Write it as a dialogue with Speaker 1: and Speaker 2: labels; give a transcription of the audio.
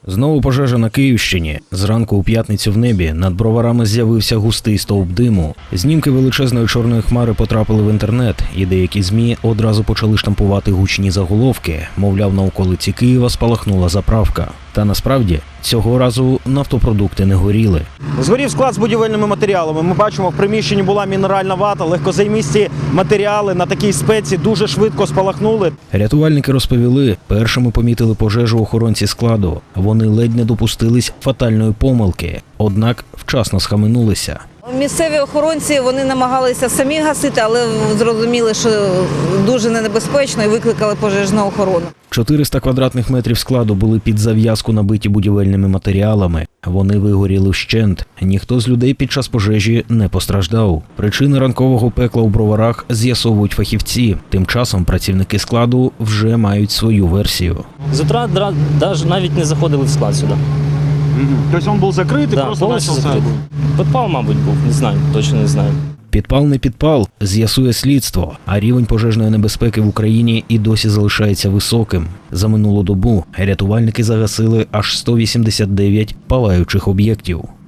Speaker 1: Знову пожежа на Київщині. Зранку у п'ятницю в небі над Броварами з'явився густий стовп диму. Знімки величезної чорної хмари потрапили в інтернет, і деякі ЗМІ одразу почали штампувати гучні заголовки. Мовляв, на околиці Києва спалахнула заправка. Та насправді, цього разу нафтопродукти не горіли.
Speaker 2: Згорів склад з будівельними матеріалами. Ми бачимо, в приміщенні була мінеральна вата, легкозаймисті матеріали на такій спеці дуже швидко спалахнули.
Speaker 1: Рятувальники розповіли, першими помітили пожежу охоронці складу. Вони ледь не допустились фатальної помилки, однак вчасно схаменулися.
Speaker 3: Місцеві охоронці, вони намагалися самі гасити, але зрозуміли, що дуже небезпечно і викликали пожежну охорону.
Speaker 1: 400 квадратних метрів складу були під зав'язку набиті будівельними матеріалами. Вони вигоріли вщент. Ніхто з людей під час пожежі не постраждав. Причини ранкового пекла у Броварах з'ясовують фахівці. Тим часом працівники складу вже мають свою версію.
Speaker 4: З утра навіть не заходили в склад сюди.
Speaker 2: Тобто він був закритий,
Speaker 4: Да,
Speaker 2: просто
Speaker 4: повністю
Speaker 2: почався.
Speaker 4: закритий. Підпал, мабуть, був, не знаю, точно не знаю.
Speaker 1: Підпал не підпал, з'ясує слідство, а рівень пожежної небезпеки в Україні і досі залишається високим. За минулу добу рятувальники загасили аж 189 палаючих об'єктів.